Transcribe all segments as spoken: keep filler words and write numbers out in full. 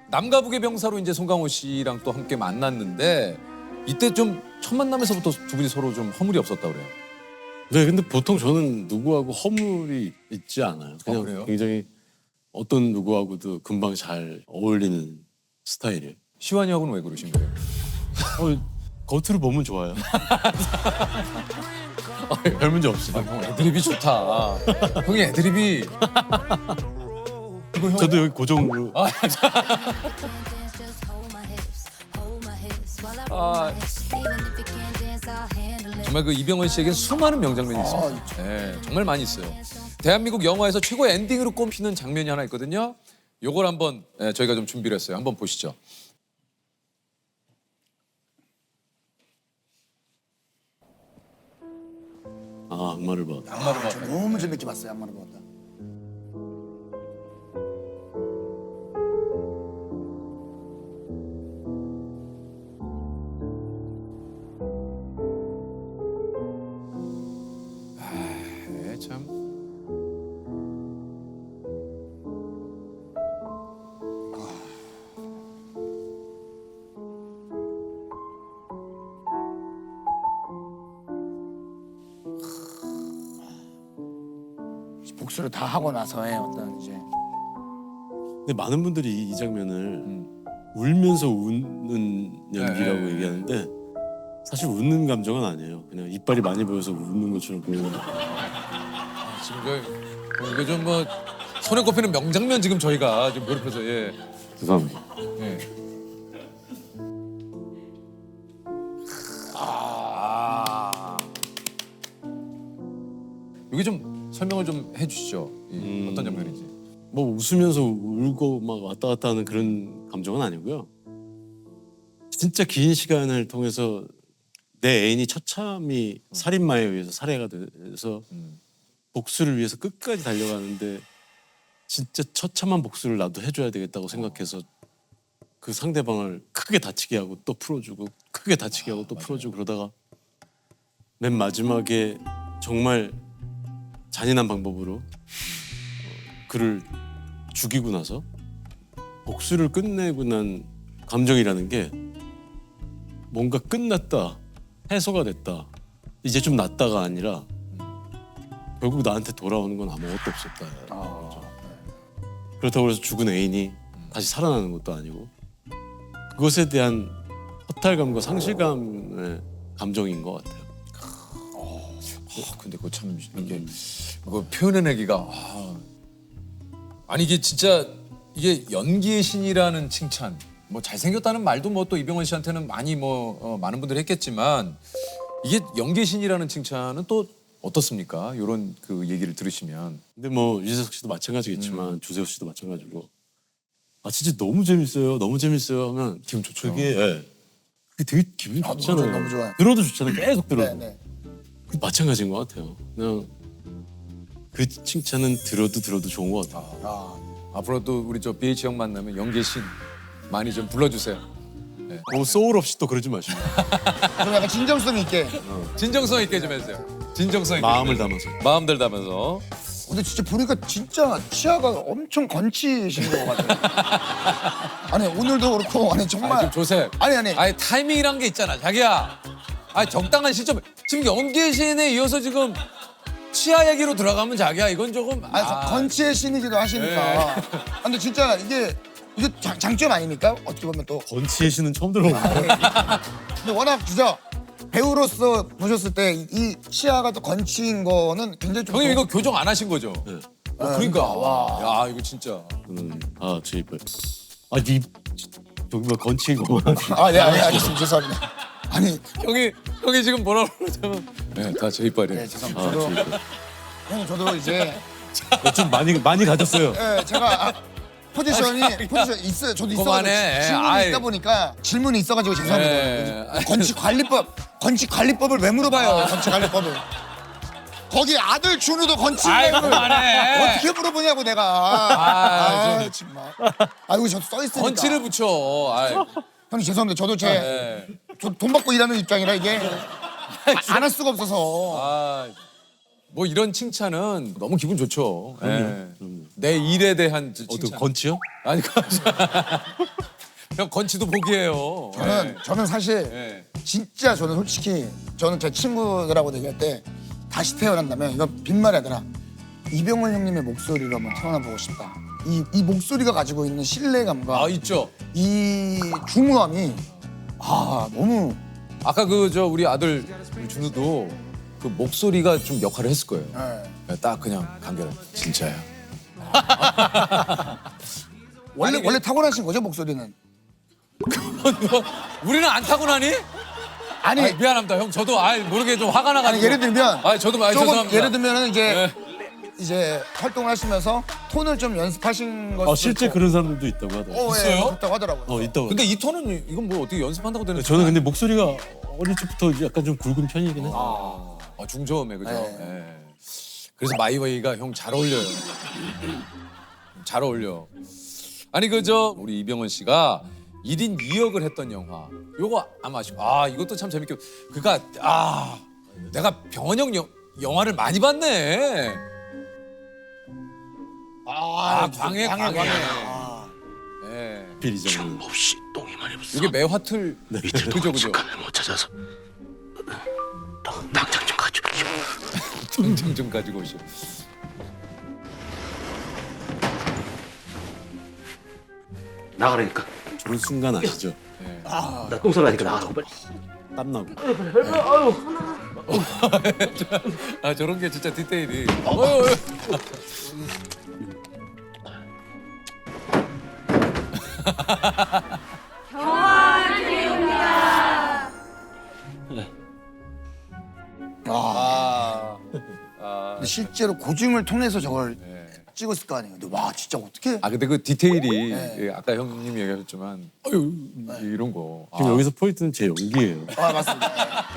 남과 북의 병사로 이제 송강호 씨랑 또 함께 만났는데 이때 좀 첫 만남에서부터 두 분이 서로 좀 허물이 없었다 그래요. 네, 근데 보통 저는 누구하고 허물이 있지 않아요. 그냥 아, 그래요? 굉장히 어떤 누구하고도 금방 잘 어울리는 스타일이에요. 시완이하고는 왜 그러신 거예요? 어, 겉으로 보면 좋아요. 별 문제 없어요. 형 애드립이 좋다. 형이 애드립이 이거 형 저도 여기 고정으로 아, 아, 정말 그 이병헌 씨에겐 수많은 명장면이 있어요. 네, 정말 많이 있어요. 대한민국 영화에서 최고의 엔딩으로 꼽히는 장면이 하나 있거든요. 요걸 한번 네, 저희가 좀 준비를 했어요. 한번 보시죠. 아 악마를 봐. 악마를 봐. 저 너무 재밌게 봤어요. 악마를 봤다. 네, 참. 복수를 다 하고 나서의 어떤 이제 근데 많은 분들이 이, 이 장면을 음. 울면서 웃는 연기라고 네. 얘기하는데 사실 웃는 감정은 아니에요. 그냥 이빨이 많이 보여서 웃는 것처럼 보이는. 지금 저 어, 이거 좀 뭐 손에 꼽히는 명장면 지금 저희가 지금 몰입해서 예. 죄송합니다. 예. 아. 여기 좀 설명을 좀 해주시죠. 이 음. 어떤 장면인지. 뭐 웃으면서 울고 막 왔다 갔다 하는 그런 감정은 아니고요. 진짜 긴 시간을 통해서 내 애인이 처참히 살인마에 의해서 살해가 돼서 음. 복수를 위해서 끝까지 달려가는데 진짜 처참한 복수를 나도 해줘야 되겠다고 생각해서 그 상대방을 크게 다치게 하고 또 풀어주고 크게 다치게 하고 또 풀어주고 그러다가 맨 마지막에 정말 잔인한 방법으로 어, 그를 죽이고 나서 복수를 끝내고 난 감정이라는 게 뭔가 끝났다, 해소가 됐다, 이제 좀 낫다가 아니라 결국 나한테 돌아오는 건 아무것도 없었다. 아, 그렇다고 해서 죽은 애인이 다시 살아나는 것도 아니고 그것에 대한 허탈감과 상실감의 감정인 것 같아요. 아, 근데 그거 참 이게 그거 표현해내기가 아. 아니 이게 진짜 이게 연기의 신이라는 칭찬. 뭐 잘생겼다는 말도 뭐 또 이병헌 씨한테는 많이 뭐 어, 많은 분들이 했겠지만 이게 연기의 신이라는 칭찬은 또 어떻습니까? 이런 그 얘기를 들으시면. 근데 뭐 유재석 씨도 마찬가지겠지만 주세호 씨도 마찬가지고 아 진짜 너무 재밌어요, 너무 재밌어요 하면 기분 좋죠. 그게 예. 그게 되게 기분이 아, 좋잖아요. 너무 좋아요. 들어도 좋잖아요. 계속 네, 들어도. 네. 그 마찬가지인 것 같아요. 그냥 그 칭찬은 들어도 들어도 좋은 것 같아요. 아, 앞으로도 우리 저 비에이치 형 만나면 연기의 신 많이 좀 불러주세요. 뭐 소울 없이 또 그러지 마시고 좀 약간 진정성 있게. 진정성 있게 좀 해주세요. 진정성 있게. 마음을 담아서. 마음들 담아서. 근데 진짜 보니까 진짜 치아가 엄청 건치신 것 같아요. 아니 오늘도 그렇고 아니 정말. 아, 지금 조셉. 아니 아니. 아니 타이밍이란 게 있잖아, 자기야. 아니 적당한 시점. 지금 연기의 신에 이어서 지금 치아 얘기로 들어가면 자기야 이건 조금. 아니, 저 건치의 신이기도 하시니까. 네. 아, 근데 진짜 이게 이게 장, 장점 아닙니까? 어떻게 보면 또. 건치의 씨는 처음 들어보는데 근데 워낙 진짜 배우로서 보셨을 때 이 치아가 또 건치인 거는 굉장히 좀. 형님 더- 이거 교정 안 하신 거죠? 네. 어, 그러니까 와. 야 이거 진짜. 음, 아, 제 이빨. 아, 이 저기 뭐 건치고. 아, 네, 아니, 아니, 죄송합니다. 아니, 형이 형이 지금 뭐라 그러냐면. 네, 다 제 이빨이에요. 네, 죄송합니다. 아, 저도, 제 이빨. 형, 저도 이제, 좀 많이 많이 가졌어요. 예, 제가 아, 포지션이, 포지션 있어요. 저도 있어가지고 그만해. 질문이 아이. 있다 보니까 질문이 있어가지고 네. 죄송합니다. 건치관리법, 건치관리법을 왜 물어봐요, 건치관리법을. 거기 아들 준우도 건치 아이, 내용을 그만해. 어떻게 물어보냐고 내가. 아, 아, 정말. 아이고 저도 써 있으니까. 건치를 붙여. 아이. 형님 죄송합니다. 저도 제 네. 돈 받고 일하는 입장이라 이게 안 할 수가 없어서. 아, 뭐 이런 칭찬은 너무 기분 좋죠. 예. 그럼요. 내 일에 대한 저 어떤 칭찬. 건치요? 아니 건치. 형 건치도 복이에요. 저는 네. 저는 사실 네. 진짜 저는 솔직히 저는 제 친구들하고 얘기할 때 다시 태어난다면 이건 빈말이 아니라 이병헌 형님의 목소리로 한번 태어나 보고 싶다. 이, 이 목소리가 가지고 있는 신뢰감과 아 있죠. 이 중후함이 아 너무 아까 그 저 우리 아들 우리 준우도 그 목소리가 좀 역할을 했을 거예요. 예. 딱 그냥 간결해. 진짜야. 원래 아니, 원래 타고나신 거죠 목소리는? 우리는 안 타고나니? 아니, 아니, 미안합니다 형. 저도 아 모르게 좀 화가 나가지고. 아니 예를 들면 아 저도 아, 조금 죄송합니다. 예를 들면은 이제 네. 이제 활동을 하시면서 톤을 좀 연습하신 것 어, 실제 그런 사람들도 있다고 하더라고요. 어, 있어요? 예, 그렇다고 하더라고요. 어, 있다고. 근데 이 톤은 이건 뭐 어떻게 연습한다고 되는? 저는 근데 목소리가 어릴 적부터 약간 좀 굵은 편이긴 해. 아, 아 중저음에 그죠. 네. 예. 그래서 마이웨이가 형 잘 어울려요. 잘 어울려. 아니 그 저 우리 이병헌 씨가 일 인 이 역을 했던 영화. 요거 아마 아시고 아 이것도 참 재밌게. 그니까 아 내가 병헌 형 영, 영화를 많이 봤네. 아, 광해 광해. 광해. 예. 비리장. 없이 똥이 많이 붙어. 이게 매화틀 이틀 그죠 동안 그죠. 직감을 못 찾아서 당- 당장 좀 가져. 등등 좀 가지고 오시오. 나가라니까. 좋은 순간 아시죠? 나 똥살나니까 나가라고 빨리. 땀나고. 아 저런 게 진짜 디테일이. 어휴, 어휴. 아, 아, 근데 실제로 고증을 통해서 저걸 네. 찍었을 거 아니에요. 근데 와 진짜 어떻게? 아 근데 그 디테일이 네. 예, 아까 형님이 얘기하셨지만 어유 이런 거. 지금 아, 여기서 포인트는 제 연기예요. 아 맞습니다.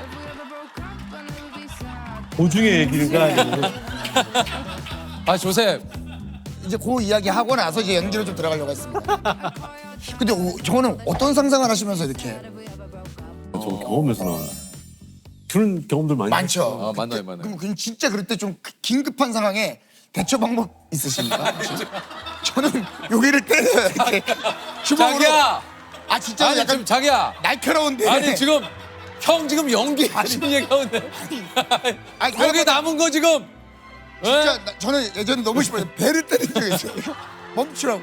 도중에 얘기가 아니고 아 조셉. 이제 그 이야기 하고 나서 이제 연기로 좀 들어가려고 했습니다. 근데 오, 저는 어떤 상상을 하시면서 이렇게 저 경험에서 나와요. 그런 경험들 많이 많죠. 아 맞나요 맞나요. 그럼 그냥 진짜 그럴 때 좀 긴급한 상황에 대처 방법 있으십니까? 저는 여기를 때려요 이렇게 주먹으로. 자기야. 아 진짜 아니 약간 지금 자기야. 날카로운데. 아니 지금 형 지금 연기 하시는 얘기하는데. 아니, 여기 남은 거 지금. 진짜 예? 나- 저는 예전에 너무 싶어요. 배를 때린 적이 있어요. 멈추라고.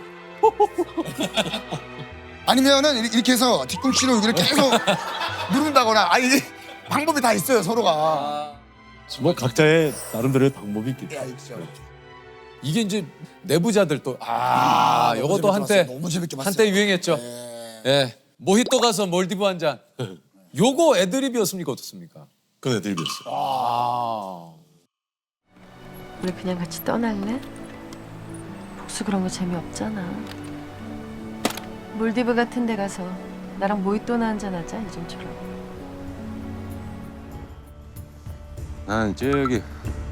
아니면은 이렇게- 이렇게 해서 뒤꿈치로 여기를 계속 누른다거나. 아 이게 방법이 다 있어요 서로가. 뭐 각자의 나름대로의 방법이 있겠죠. 야, 있죠. 이게 이제 내부자들 또 아, 너무 요것도 재밌게 한때 봤어요. 너무 재밌게 봤어요. 한때 유행했죠. 예. 예. 모히또 가서 몰디브 한 잔. 요거 애드립이었습니까 어떻습니까? 그건 애들이었어요. 아. 우리 그냥 같이 떠날래? 복수 그런 거 재미없잖아. 몰디브 같은 데 가서 나랑 모히또나 한잔 하자 요즘처럼. 나는 저기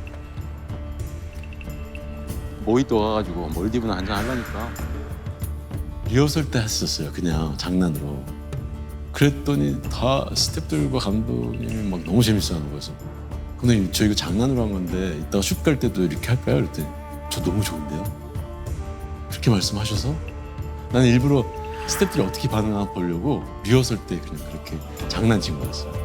모히또 가가지고 몰디브나 한잔 하려니까. 리허설 때 했었어요. 그냥 장난으로. 그랬더니 다 스태프들과 감독님이 막 너무 재밌어하는 거여서 근데 저 이거 장난으로 한 건데 이따가 슛 갈 때도 이렇게 할까요? 그랬더니 저 너무 좋은데요? 그렇게 말씀하셔서 나는 일부러 스태프들이 어떻게 반응하나 보려고 리허설 때 그냥 그렇게 장난친 거였어요.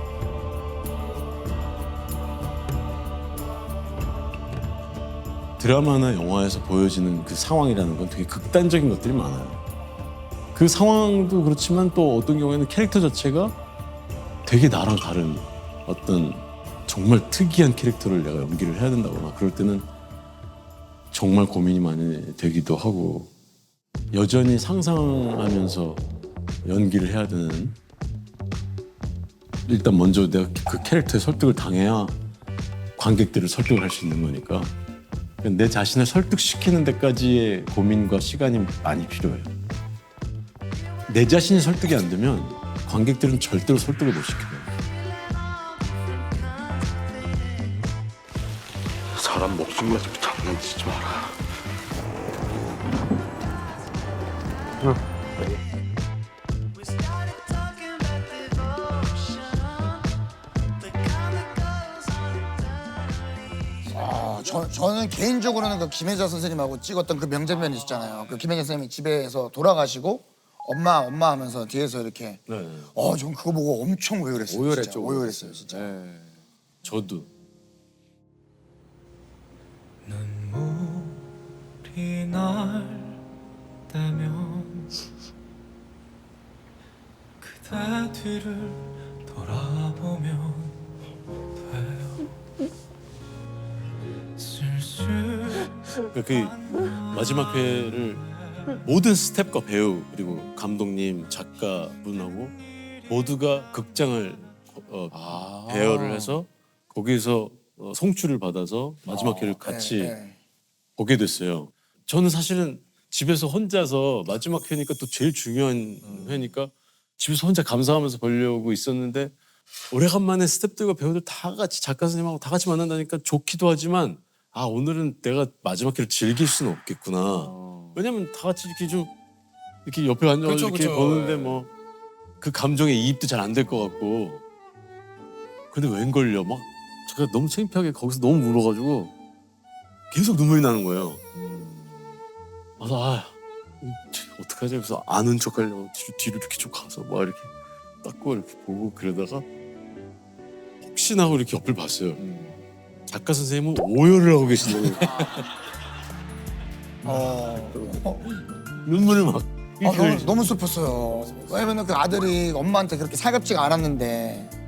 드라마나 영화에서 보여지는 그 상황이라는 건 되게 극단적인 것들이 많아요. 그 상황도 그렇지만 또 어떤 경우에는 캐릭터 자체가 되게 나랑 다른 어떤 정말 특이한 캐릭터를 내가 연기를 해야 된다거나 그럴 때는 정말 고민이 많이 되기도 하고 여전히 상상하면서 연기를 해야 되는 일단 먼저 내가 그 캐릭터에 설득을 당해야 관객들을 설득을 할 수 있는 거니까 내 자신을 설득시키는 데까지의 고민과 시간이 많이 필요해요. 내 자신이 설득이 안 되면 관객들은 절대로 설득을 못 시켜요. 사람 목숨 가지고 장난치지 마라. 저, 저는 개인적으로는 그 김혜자 선생님하고 찍었던 그 명장면 있었잖아요. 그 김혜자 선생님이 집에서 돌아가시고 엄마 엄마 하면서 뒤에서 이렇게 네. 어, 전 그거 보고 엄청 오열했어요. 오열했죠. 진짜. 오열했어요, 진짜. 네. 저도 눈물이 날때면 그대 뒤를 돌아보면 돼요. 쓸쓸 그러니까 그 마지막 회를 모든 스태프과 배우 그리고 감독님 작가분하고 모두가 극장을 어, 아. 대여를 해서 거기서 어, 송출을 받아서 마지막 회를 같이 네, 네. 보게 됐어요. 저는 사실은 집에서 혼자서 마지막 회니까 또 제일 중요한 회니까 집에서 혼자 감상하면서 보려고 있었는데 오래간만에 스태프들과 배우들 다 같이 작가 선생님하고 다 같이 만난다니까 좋기도 하지만 아 오늘은 내가 마지막 회를 즐길 수는 없겠구나. 왜냐면 다 같이 이렇게 좀 이렇게 옆에 앉아서 그쵸, 이렇게 그쵸. 보는데 예. 뭐 그 감정에 이입도 잘 안 될 것 같고 근데 웬걸요 막 제가 너무 창피하게 거기서 너무 울어가지고 계속 눈물이 나는 거예요. 그래서 아 어떡하지? 그래서 아는 척하려고 뒤로, 뒤로 이렇게 좀 가서 막 이렇게 닦고 이렇게 보고 그러다가 혹시나 하고 이렇게 옆을 봤어요. 작가 선생님은 오열을 하고 계시더라고요. 어, 어, 눈물을 막 아, 너무, 너무 슬펐어요. 왜냐면 그 아들이 엄마한테 그렇게 살갑지가 않았는데